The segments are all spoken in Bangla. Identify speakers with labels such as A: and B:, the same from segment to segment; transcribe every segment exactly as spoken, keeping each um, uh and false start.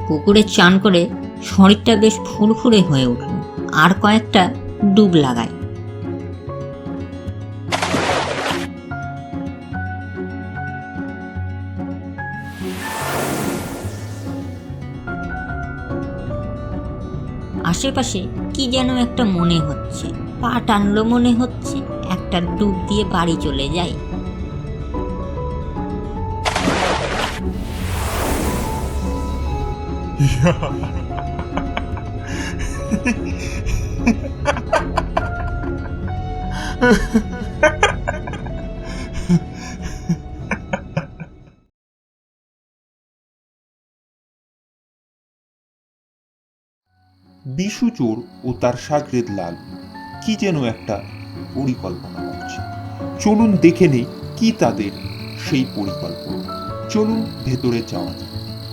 A: পুকুরে চান করে শরীরটা বেশ ফুরফুরে হয়ে উঠল। আর কয়েকটা ডুব লাগায়। আশেপাশে কি যেন একটা মনে হচ্ছে, পা টানলো মনে হচ্ছে, একটা ডুব দিয়ে বাড়ি চলে যায়।
B: বিশু চোর ও তার শাগরেদ লাল কি যেন একটা পরিকল্পনা করছে। চলুন দেখে নেই কি তাদের সেই পরিকল্পনা। চলুন ভেতরে যাওয়া যাক।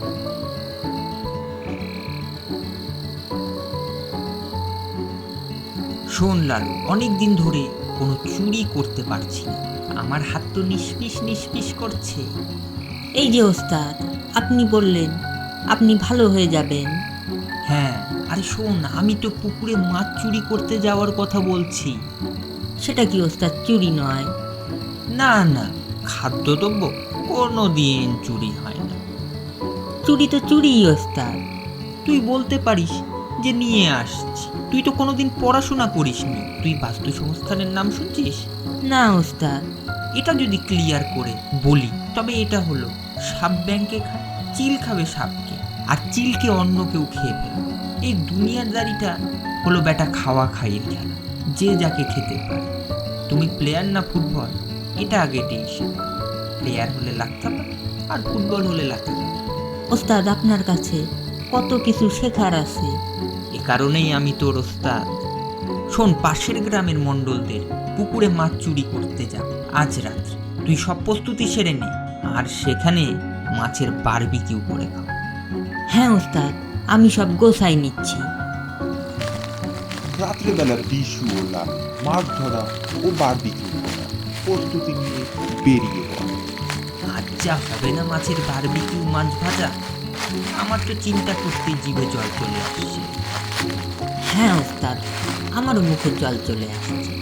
C: শোন লালু, অনেক দিন ধরে কোনো চুরি করতে পারছি না, আমার হাত তো নিষ্পিস নিষ্পিস করছে।
A: এই যে ওস্তাদ, আপনি বললেন আপনি ভালো হয়ে যাবেন।
C: হ্যাঁ, আরে শোন, আমি তো পুকুরে মাছ চুরি করতে যাওয়ার কথা বলছি।
A: সেটা কি ওস্তাদ চুরি নয়?
C: না না, খাদ্যদ্রব্য কোনো দিন চুরি হয় না।
A: চুরি তো চুরিই ওস্তাদ।
C: তুই বলতে পারিস যে নিয়ে আসছি, তুই তো কোনোদিন পড়াশোনা করিসনি। তুই বাস্তু সংস্থানের নাম শুনছিস?
A: না ওস্তাদ।
C: এটা যদি ক্লিয়ার করে বলি তবে এটা হলো, সাপ ব্যাংকে খায়, চিল খাবে সাপকে, আর চিলকে অন্য কেউ খেয়ে ফেলবে। এই দুনিয়াদারিটা হলো বেটা খাওয়া খাইয়ের খেলা, যে যাকে খেতে পারে। তুমি প্লেয়ার না ফুটবল, এটা আগে টেনশন। প্লেয়ার হলে লাগতে পারে আর ফুটবল হলে লাগতে পারে।
A: ওস্তাদ, আপনার কাছে কত কিছু শেখার আছে।
C: এ কারণেই আমি তোর ওস্তাদ। শোন, পাশের গ্রামের মণ্ডলদের পুকুরে মাছ চুরি করতে যাব আজ রাত্রে। তুই সব প্রস্তুতি সেরে নে, আর সেখানে মাছের বারবিকিউ করে খাও।
A: হ্যাঁ ওস্তাদ, আমি সব গোছাই নিচ্ছি।
B: রাত্রেবেলা বিশু ও লাল মাছ ধরা ও বারবিকিউ করা প্রস্তুতি নিয়ে বেরিয়ে পড়ে।
C: আজ যা হবে না মাছের বারবিকিউ মাছ ভাজা, আমার তো চিন্তা করতেই জিভে জল চলে আসছে।
A: হ্যাঁ ওস্তাদ, আমারও মুখে জল চলে আসছে।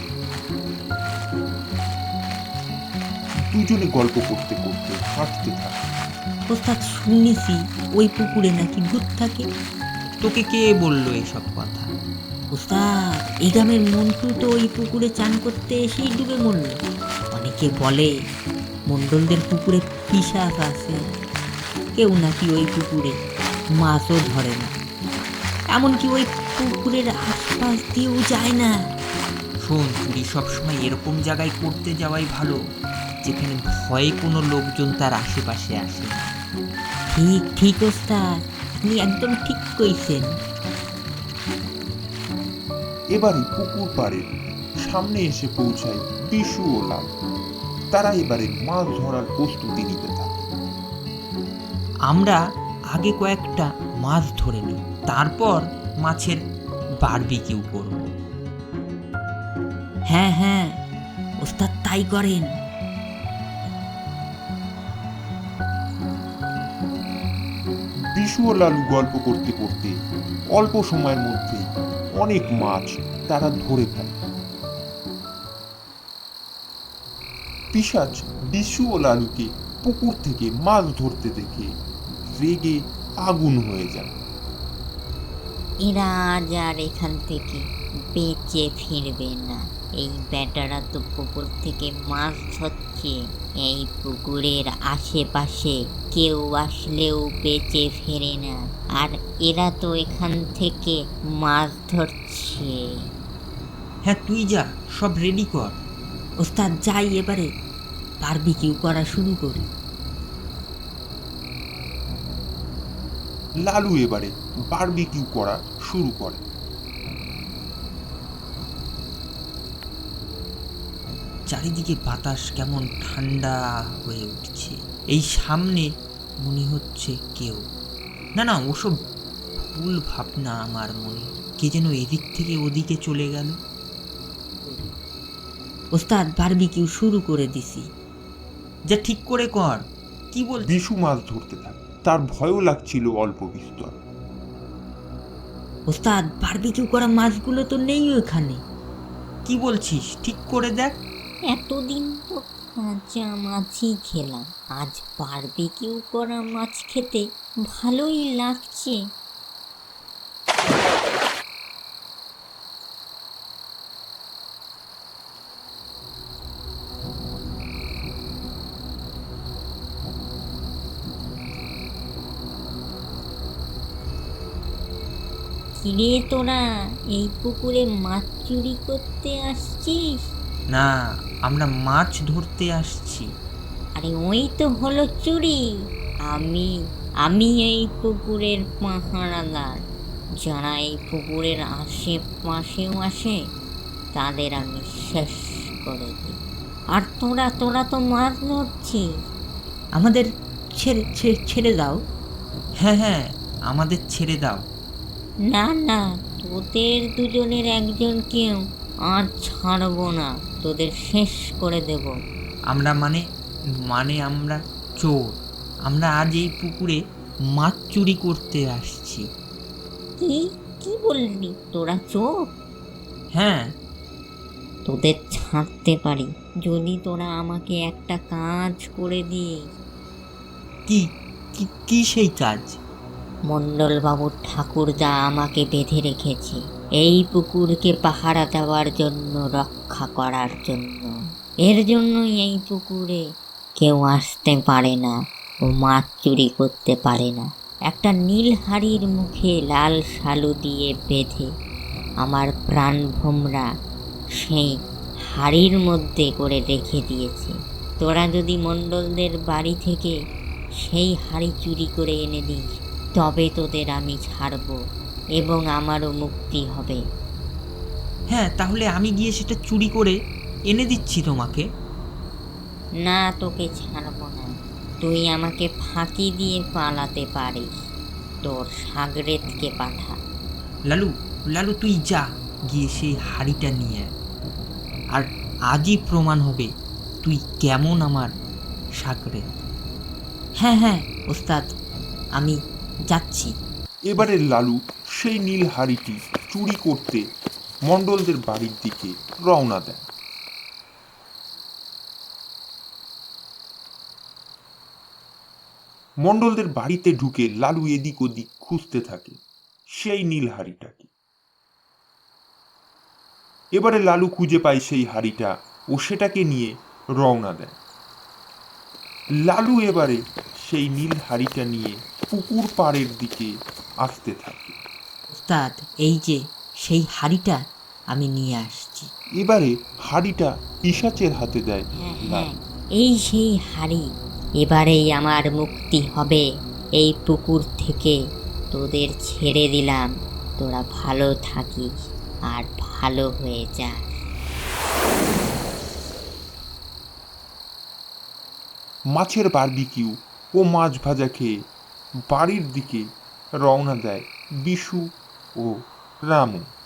B: দুজনে গল্প করতে করতে হাঁটতে থাকে।
A: ওস্তাদ, শুনেছি ওই পুকুরে নাকি ভূত থাকে।
C: তোকে কে বললো এসব কথা?
A: ওস্তাদ, এই গ্রামের মন্টু তো ওই পুকুরে চান করতে এসেই ডুবে মরল। অনেকে বলে মণ্ডলদের পুকুরে পিশাচ আছে, কেউ নাকি ওই পুকুরে মাছও ধরে না, এমনকি ওই পুকুরের আশপাশ দিয়েও যায় না।
C: শোন, চুরি সবসময় এরকম জায়গায় করতে যাওয়াই ভালো যেখানে ভয়ে কোনো লোকজন তার আশেপাশে আসে না।
A: ঠিক ঠিক ওস্তাদ, আপনি একদম ঠিক কইছেন।
B: এবারে পুকুর পাড়ের সামনে এসে পৌঁছায় বিশু ও লাল। তারা এবারে মাছ ধরার প্রস্তুতি নিতে থাকে।
C: আমরা আগে কয়েকটা মাছ ধরে নিই, তারপর মাছের বারবিকিউ করব।
A: হ্যাঁ হ্যাঁ ওস্তাদ, তাই করেন।
B: বিশু ও লালু গল্প করতে করতে অল্প সময়ের মধ্যে অনেক মাছ তারা ধরে ফেলে। পিশাচ বিশু ও লালুকে পুকুর থেকে মাছ ধরতে দেখে রেগে আগুন হয়ে যায়।
D: এরা আজ আর এখান থেকে বেঁচে ফিরবে না। এই বেটারা তো পুকুর থেকে মাছ ধরছে, এই পুকুরের আশেপাশে কেউ আসলেও বেঁচে ফেরে না, আর এরা তো এখান থেকে মাছ ধরছে।
C: হ্যাঁ, তুই যা, সব রেডি কর।
A: ওস্তাদ, যাই এবারে বারবিকিউ করা শুরু করি।
B: লালু এবারে বারবিকিউ করা শুরু করে।
C: চারিদিকে বাতাস কেমন ঠান্ডা হয়ে উঠছে। এই সামনে মনে হচ্ছে কেউ, না না ওসব ভুল ভাবনা আমার মনে, কে যেন এদিক থেকে ওদিকে চলে গেল।
A: ওস্তাদ, বারবিকিউ শুরু করে দিছি।
C: যা ঠিক করে কর। কি বল?
B: বিশু মাছ ধরতে থাকে, তার ভয়ও লাগছিল অল্প বিস্তর।
A: ওস্তাদ, বারবিকিউ করা মাছগুলো তো নেই ওখানে।
C: কি বলছিস? ঠিক করে দেখ।
D: এতদিন তো কাঁচা মাছই খেলাম, আজ বারবিকিউ করা মাছ খেতে ভালোই লাগছে। কিরে তোরা এই পুকুরে মাছ চুরি করতে আসছিস?
C: না, আমরা মাছ ধরতে আসছি।
D: আরে ওই তো হলো চুরি। আমি আমি এই পুকুরের পাহারাদার। যারা এই পুকুরের আশেপাশেও আসে তাদের আমি শেষ করে দিই। আর তোরা তোরা তো মাছ ধরছিস।
A: আমাদের ছেড়ে ছেড়ে ছেড়ে দাও।
C: হ্যাঁ হ্যাঁ, আমাদের ছেড়ে দাও।
D: না না, তোদের দুজনের একজনকেও আর ছাড়বো না, তোদের শেষ করে দেব।
C: আমরা মানে মানে আমরা চোর। আমরা আজ এই পুকুরে মাছ চুরি করতে আসছি।
D: কি কি বললি? তোরা চোর?
C: হ্যাঁ।
D: তোদের ছাড়তে পারি যদি তোরা আমাকে একটা কাজ করে দিস।
C: কি কি কি সেই কাজ?
D: মণ্ডলবাবুর ঠাকুরদা আমাকে বেঁধে রেখেছে এই পুকুরকে পাহারা দেওয়ার জন্য, রক্ষা করার জন্য। এর জন্যই এই পুকুরে কেউ আসতে পারে না ও মাছ চুরি করতে পারে না। একটা নীল হাড়ির মুখে লাল শালু দিয়ে বেঁধে আমার প্রাণভোমরা সেই হাড়ির মধ্যে করে রেখে দিয়েছে। তোরা যদি মণ্ডলদের বাড়ি থেকে সেই হাড়ি চুরি করে এনে দিস তবে তোদের আমি ছাড়ব এবং আমারও মুক্তি হবে।
C: হ্যাঁ, তাহলে আমি গিয়ে সেটা চুরি করে এনে দিচ্ছি তোমাকে।
D: না, তোকে ছাড়ব না। তুই আমাকে ফাঁকি দিয়ে পালাতে পারিস। তোর সাগরেদকে পাঠা।
C: লালু লালু তুই যা, গিয়ে সেই হাড়িটা নিয়ে আয়। আর আজই প্রমাণ হবে তুই কেমন আমার সাগরে।
A: হ্যাঁ হ্যাঁ ওস্তাদ, আমি যাচ্ছি।
B: এবারে লালু সেই নীল হাড়িটি চুরি করতে মণ্ডলদের বাড়ির দিকে রওনা দেয়। মণ্ডলদের বাড়িতে ঢুকে লালু এদিক ওদিক খুঁজতে থাকে সেই নীল হাড়িটাকে। এবারে লালু খুঁজে পায় সেই হাড়িটা ও সেটাকে নিয়ে রওনা দেয়। লালু এবারে সেই নীল হাড়িটা নিয়ে পুকুর পাড়ের দিকে আসতে থাকে।
A: ওস্তাদ, এই যে সেই হাড়িটা আমি নিয়ে আসছি।
B: এবারে হাড়িটা পিশাচের হাতে দেয়
D: হ্যাঁ হ্যাঁ,
B: লালু।
D: এই সেই হাড়ি। এবারেই আমার মুক্তি হবে এই পুকুর থেকে। তোদের ছেড়ে দিলাম, তোরা ভালো থাকিস আর ভালো হয়ে যাস।
B: মাছের বারবিকিউ ও মাছ ভাজা খেয়ে বাড়ির দিকে রওনা দেয় বিশু ও রামু।